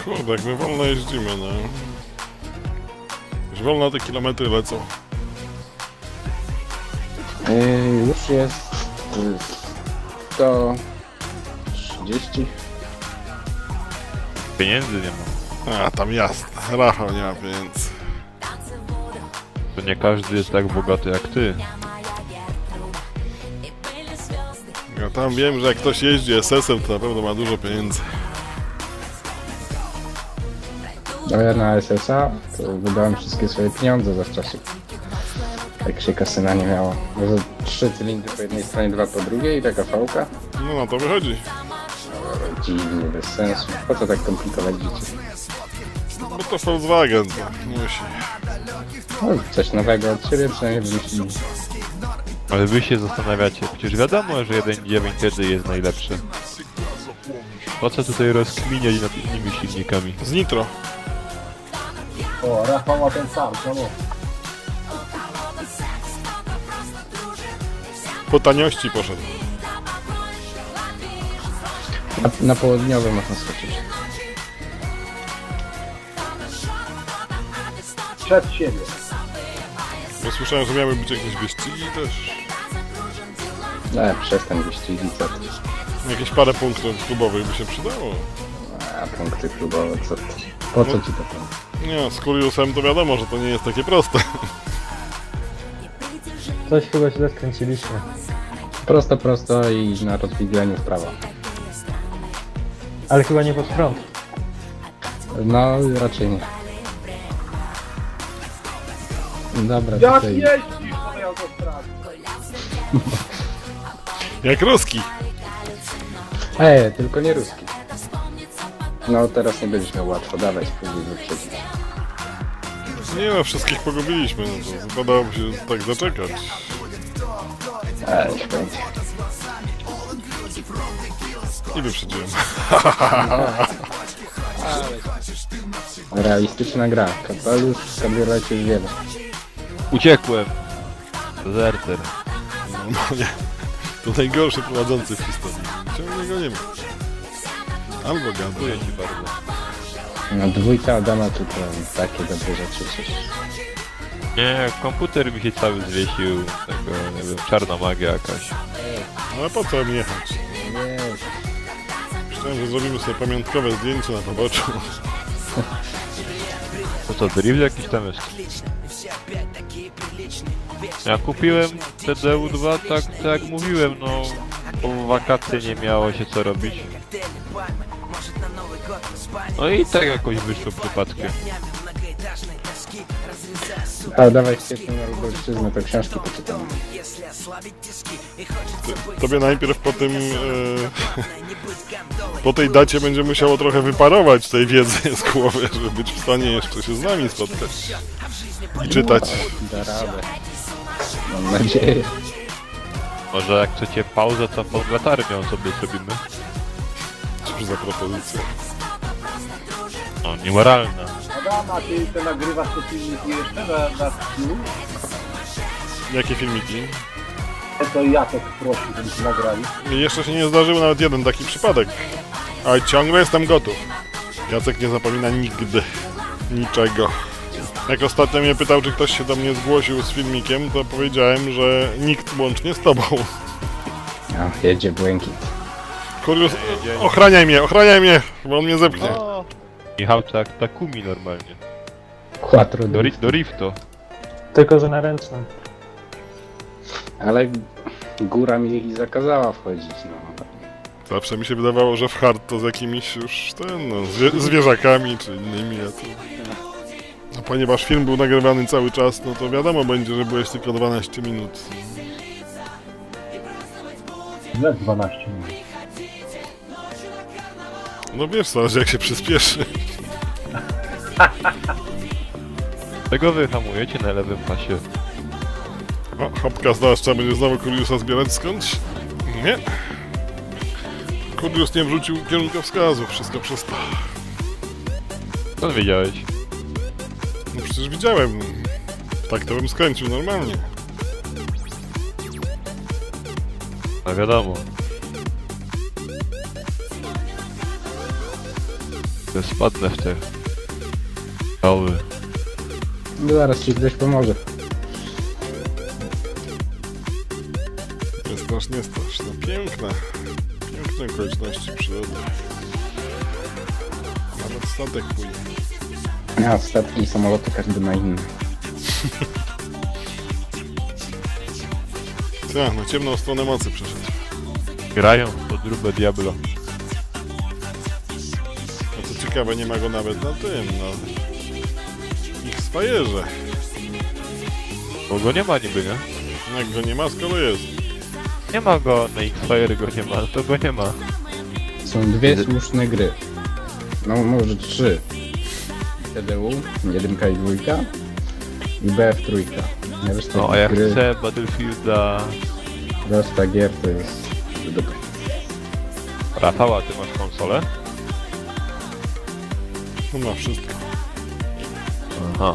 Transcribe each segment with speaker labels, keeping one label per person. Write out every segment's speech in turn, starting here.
Speaker 1: Kurde, jak my wolno jeździmy, no. Już wolno te kilometry lecą.
Speaker 2: Już jest 130.
Speaker 3: Pieniędzy nie ma.
Speaker 1: A, tam jasne. Rafał nie ma pieniędzy.
Speaker 3: To nie każdy jest tak bogaty jak ty.
Speaker 1: Ja tam wiem, że jak ktoś jeździ SS-em, to na pewno ma dużo pieniędzy.
Speaker 2: A ja na SSA to wydałem wszystkie swoje pieniądze za czasy. Jak się kasyna nie miało. Może 3 cylindry po jednej stronie, 2 po drugiej i taka fałka.
Speaker 1: No na to wychodzi.
Speaker 2: Dziwnie, bez sensu. Po co tak komplikować życie?
Speaker 1: Bo to Volkswagen, to musi.
Speaker 2: No, coś nowego od siebie przynajmniej wymyślili.
Speaker 3: Ale wy się zastanawiacie, przecież wiadomo, że 1.9 wtedy jest najlepszy. Po co tutaj rozkminiać nad innymi silnikami?
Speaker 1: Z nitro.
Speaker 4: O, Rafał ma ten sam, czemu?
Speaker 1: Po taniości poszedł.
Speaker 2: Na południowy można skoczyć.
Speaker 4: Przed siebie.
Speaker 1: Bo słyszałem, że miały być jakieś wyścigi też.
Speaker 2: Przestań wyścigi, co ty?
Speaker 1: Jakieś parę punktów klubowych by się przydało.
Speaker 2: A punkty klubowe, co ty? Po co ci to punkty?
Speaker 1: Nie, z Kuriusem to wiadomo, że to nie jest takie proste.
Speaker 5: Coś chyba źle skręciliśmy.
Speaker 2: Prosto i na rozwidleniu w prawo.
Speaker 5: Ale chyba nie pod prąd.
Speaker 2: No, raczej nie. Dobra,
Speaker 4: Jak
Speaker 2: tutaj...
Speaker 4: jeździsz po tej autostradzie?
Speaker 1: Jak ruski.
Speaker 2: Tylko nie ruski. No, teraz nie będziesz miał łatwo. Dawaj, spróbuj wyprzedzić.
Speaker 1: Nie no, wszystkich pogubiliśmy, no to wypadałoby się tak zaczekać.
Speaker 2: Świetnie.
Speaker 1: I wyprzedziłem.
Speaker 2: Realistyczna gra. Kapelusz w kabriolecie już wiele.
Speaker 3: Uciekłem! Dezerter.
Speaker 1: Normalnie. To najgorszy prowadzący w historii. Ciągle go nie ma. Albo
Speaker 3: Dziękuję
Speaker 1: gada.
Speaker 3: ci bardzo.
Speaker 2: No, dwójka Adama tu to takie dobre rzeczy coś.
Speaker 3: Nie, komputer mi się cały zwiesił. Tego, nie wiem, czarna magia jakaś.
Speaker 1: Ale po co mi jechać?
Speaker 2: Nie,
Speaker 1: Myślałem, że zrobimy sobie pamiątkowe zdjęcie na poboczu.
Speaker 3: To co, drift jakiś tam jest? Ja kupiłem TDU2 tak jak mówiłem, no po wakacje nie miało się co robić. No i tak jakoś wyszło przypadkiem.
Speaker 2: a dawaj ścieżkę na Lubelszczyznę, to książki poczytamy.
Speaker 1: Tobie najpierw po tym... po tej dacie będzie musiało trochę wyparować tej wiedzy z głowy, żeby być w stanie jeszcze się z nami spotkać. I czytać.
Speaker 2: Da radę. Mam nadzieję.
Speaker 3: Może jak chcecie pauzę, to pod latarnią sobie zrobimy.
Speaker 1: Cóż za propozycja.
Speaker 3: No, niemoralna.
Speaker 4: Adama, ty te nagrywasz te filmiki jeszcze na streamu?
Speaker 1: Jakie filmiki?
Speaker 4: To Jacek prosił, żebyśmy nagrali.
Speaker 1: Jeszcze się nie zdarzył nawet jeden taki przypadek. Ale ciągle jestem gotów. Jacek nie zapomina nigdy niczego. Jak ostatnio mnie pytał, czy ktoś się do mnie zgłosił z filmikiem, to powiedziałem, że nikt łącznie z tobą.
Speaker 2: No, jedzie błękit.
Speaker 1: Kurius, ochraniaj mnie, bo on mnie zepchnie.
Speaker 3: Michał tak Takumi normalnie.
Speaker 2: Quattro
Speaker 3: Do Rifto.
Speaker 5: Tylko, że na ręcznym.
Speaker 2: Ale góra mi zakazała wchodzić, no.
Speaker 1: Zawsze mi się wydawało, że w hard to z jakimiś już zwierzakami czy innymi. A tu... No, ponieważ film był nagrywany cały czas, no to wiadomo będzie, że byłeś tylko 12 minut.
Speaker 4: Jak 12 minut?
Speaker 1: No wiesz co, że jak się przyspieszy.
Speaker 3: Tego wy hamujecie na lewym pasie.
Speaker 1: O, hopka zdaszcza, będzie znowu Kuriusa zbierać skądś? Nie. Kurius nie wrzucił kierunkowskazu, wszystko przez to.
Speaker 3: Skąd wiedziałeś?
Speaker 1: No przecież widziałem. Tak to bym skręcił normalnie.
Speaker 3: No wiadomo. To spadnę w te... doły.
Speaker 2: No zaraz ci ktoś pomoże.
Speaker 1: Nie strasz, nie strasz. No piękne. Piękne okoliczności przyrody. Nawet statek płynie.
Speaker 2: A statki i samoloty każdy ma inny.
Speaker 1: Tak, na ciemną stronę mocy przeszedł.
Speaker 3: Grają w podróbę Diablo.
Speaker 1: No to ciekawe, nie ma go nawet na tym, na X-Fire'ze.
Speaker 3: Bo go nie ma niby, nie?
Speaker 1: Jak go nie ma, skoro jest.
Speaker 3: Nie ma go, na X-Fire go nie ma, to go nie ma.
Speaker 2: Są dwie słuszne gry. No może trzy. TDU, 1 i 2 i BF3. Reszta
Speaker 3: No a ja
Speaker 2: gry,
Speaker 3: chcę Battlefielda...
Speaker 2: reszta gier to jest dobre.
Speaker 3: Rafała, ty masz konsolę?
Speaker 1: No ma wszystko.
Speaker 3: Aha.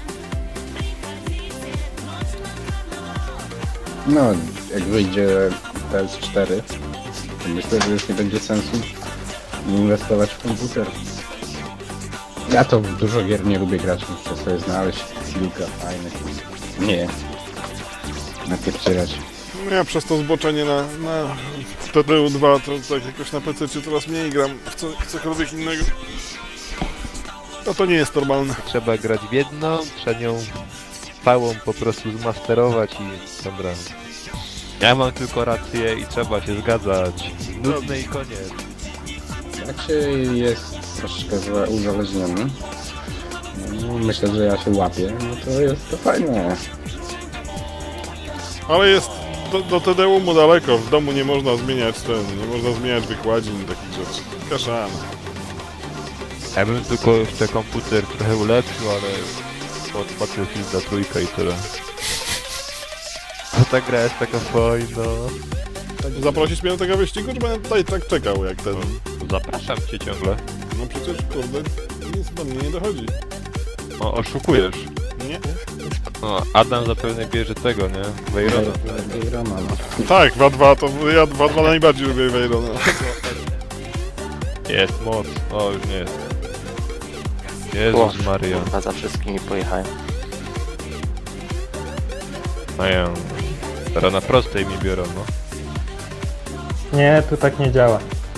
Speaker 2: No, jak wyjdzie PS4, to myślę, że już nie będzie sensu inwestować w komputer. Ja to w dużo gier nie lubię grać, muszę sobie znaleźć kilka fajnych. Nie. Napierdzielać.
Speaker 1: No ja przez to zboczenie na TDU2 to tak jakoś na PC coraz mniej gram w cokolwiek innego. No to nie jest normalne.
Speaker 3: Trzeba grać w jedną, trzeba nią całą po prostu zmasterować i dobra. Ja mam tylko rację i trzeba się zgadzać. Nudne i koniec.
Speaker 2: Jak się jest troszeczkę uzależniony, no, myślę, że ja się łapię, no to jest to fajne.
Speaker 1: Ale jest do TDU mu daleko. W domu nie można zmieniać nie można zmieniać wykładzin i takich rzeczy. Kaszana.
Speaker 3: Ja bym tylko jeszcze komputer trochę ulepszył, ale pod Battlefielda trójka i tyle. To ta gra jest taka fajna.
Speaker 1: Zaprosić mnie do tego wyścigu, czy będę tutaj tak czekał jak ten?
Speaker 3: Zapraszam cię ciągle.
Speaker 1: No przecież kurde, nic do mnie nie dochodzi.
Speaker 3: O, oszukujesz.
Speaker 1: Nie?
Speaker 3: No, Adam zapewne bierze tego, nie? Weyrona.
Speaker 2: Roma, no.
Speaker 1: Tak, 2-2 to ja 2-2 najbardziej lubię Weyrona.
Speaker 3: Jest moc. O, już nie jest. Jezus Maria.
Speaker 6: Kurwa, za wszystkimi pojechałem.
Speaker 3: Mają. Teraz na prostej mi biorą, no.
Speaker 5: Nie, tu tak nie działa.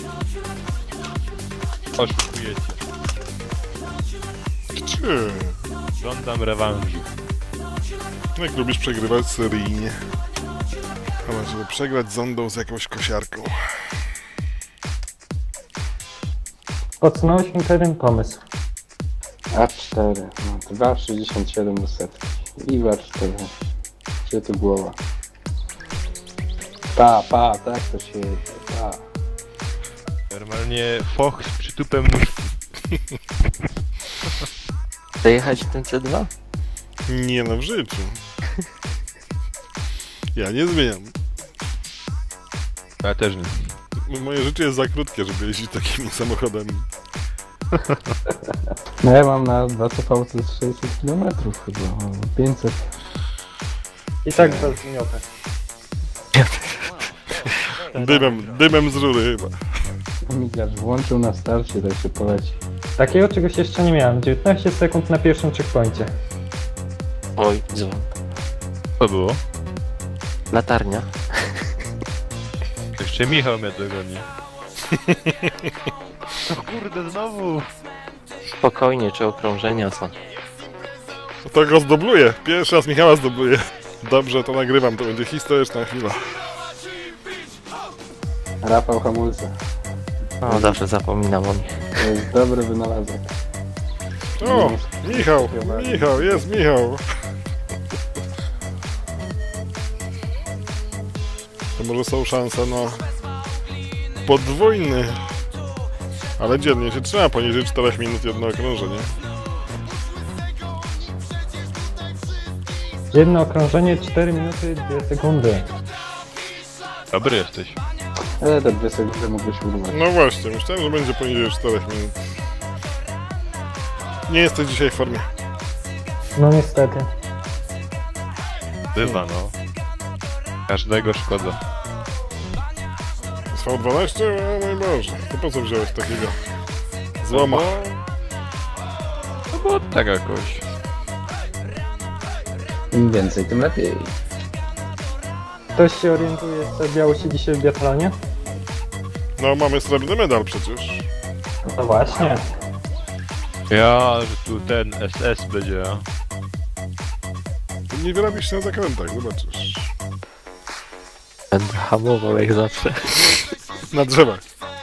Speaker 3: Oszukujecie.
Speaker 1: Czy?
Speaker 3: Żądam rewanżu.
Speaker 1: Jak lubisz przegrywać seryjnie. Ale żeby przegrać zondą z jakąś kosiarką.
Speaker 5: Podsunąłeś mi pewien pomysł.
Speaker 2: A4, no 2,67 do setki. I war 4. Gdzie tu głowa? Tak to się jedzie,
Speaker 3: Normalnie foch z przytupem nóżki.
Speaker 6: Dojechać w tym C2?
Speaker 1: Nie no, w życiu. Ja nie zmieniam.
Speaker 3: Ja też nie.
Speaker 1: Moje życie jest za krótkie, żeby jeździć takimi samochodami.
Speaker 2: No ja mam na 2 CV to jest 600 km chyba, 500.
Speaker 5: I tak bez miniotek.
Speaker 1: Dymem z rury chyba.
Speaker 2: Migacz włączył na starcie, tak się poleci.
Speaker 5: Takiego czegoś jeszcze nie miałem. 19 sekund na pierwszym checkpoincie.
Speaker 6: Oj, dzwon.
Speaker 3: Co było?
Speaker 6: Latarnia.
Speaker 3: Jeszcze Michał mnie dogoni. O kurde, znowu!
Speaker 6: Spokojnie, czy okrążenia są.
Speaker 1: To go zdobluję. Pierwszy raz Michała zdobluję. Dobrze, to nagrywam, to będzie historyczna chwila.
Speaker 2: Rafał hamulce.
Speaker 6: No, zawsze zapominam o nich.
Speaker 2: To jest dobry wynalazek.
Speaker 1: O, Michał, jest Michał. To może są szanse na podwójny. Ale dziennie się trzyma poniżej 4 minut jedno okrążenie.
Speaker 5: Jedno okrążenie 4 minuty 2 sekundy.
Speaker 3: Dobry jesteś.
Speaker 2: Ale te 2 sekundy mógłbyś urwać.
Speaker 1: No właśnie, myślałem, że będzie poniżej 4 minut. Nie jesteś dzisiaj w formie.
Speaker 5: No niestety.
Speaker 3: Bywa, no. Każdego szkoda.
Speaker 1: Z V12? O mój Boże, to po co wziąłeś takiego złoma?
Speaker 3: No, bo tak jakoś.
Speaker 2: Im więcej, tym lepiej.
Speaker 5: Ktoś się orientuje, co działo się dzisiaj w biatlonie?
Speaker 1: No, mamy srebrny medal przecież.
Speaker 5: No właśnie.
Speaker 3: Ja, że tu ten SS będzie.
Speaker 1: Ty nie wyrabisz się na zakrętach, zobaczysz.
Speaker 6: Będę hamował jak zawsze.
Speaker 1: Na drzewach.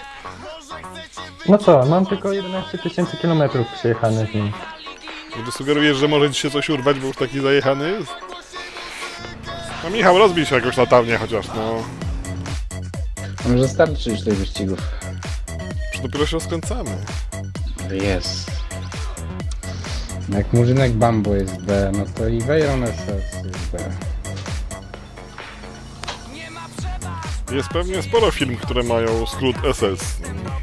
Speaker 5: No co, mam tylko 11 000 kilometrów przejechanych nim.
Speaker 1: Czy sugerujesz, że może ci się coś urwać, bo już taki zajechany jest? No Michał, rozbij się jakoś latarnię chociaż, no.
Speaker 2: A może starczy już tych wyścigów?
Speaker 1: Już dopiero się rozkręcamy.
Speaker 2: Jest. Jak Murzynek Bambo jest B, no to i Veyron SS jest B.
Speaker 1: Jest pewnie sporo firm, które mają skrót SS.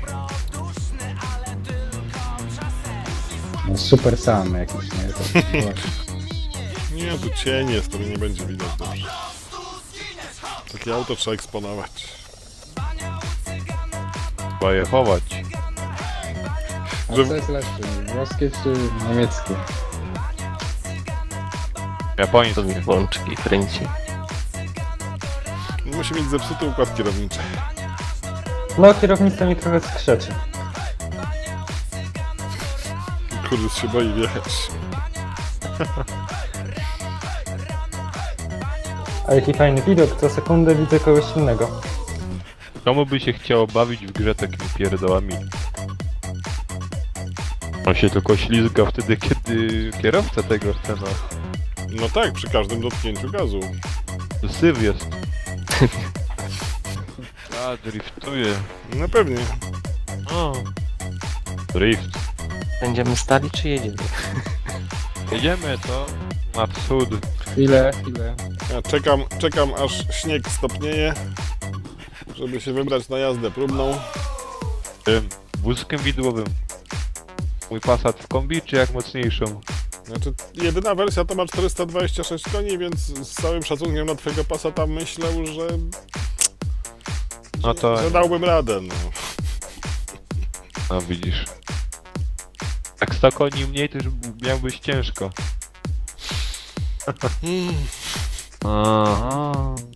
Speaker 2: No super sam jakiś, nie? To,
Speaker 1: Nie, tu cień jest, to nie będzie widać dobrze. Takie auto trzeba eksponować.
Speaker 3: Trzeba je chować.
Speaker 2: a
Speaker 1: Że-
Speaker 2: co jest lepsze? Włoskie czy niemieckie?
Speaker 6: To
Speaker 3: Japoński.
Speaker 6: mi włączki kręci.
Speaker 1: Musi mieć zepsuty układ kierowniczy.
Speaker 5: No, kierownica mi trochę skrzeczy.
Speaker 1: Kurde, się boi wjechać.
Speaker 5: A jaki fajny widok, co sekundę widzę kogoś innego.
Speaker 3: Komu by się chciało bawić w grze takimi pierdołami? On się tylko ślizga wtedy, kiedy kierowca tego chce, no.
Speaker 1: No tak, przy każdym dotknięciu gazu.
Speaker 3: To syf jest. A, driftuje.
Speaker 1: No pewnie.
Speaker 3: O. Drift.
Speaker 6: Będziemy stali czy jedziemy?
Speaker 3: Jedziemy to na wschód.
Speaker 2: Chwilę.
Speaker 1: Ja czekam aż śnieg stopnieje, żeby się wybrać na jazdę próbną.
Speaker 3: Tym wózkiem widłowym. Mój Passat w kombi, czy jak mocniejszą?
Speaker 1: Znaczy, jedyna wersja to ma 426 koni, więc z całym szacunkiem dla twojego Passata myślę, że...
Speaker 3: No to...
Speaker 1: że dałbym radę, no.
Speaker 3: No widzisz. Jak 100 koni mniej, to już miałbyś ciężko. Aha.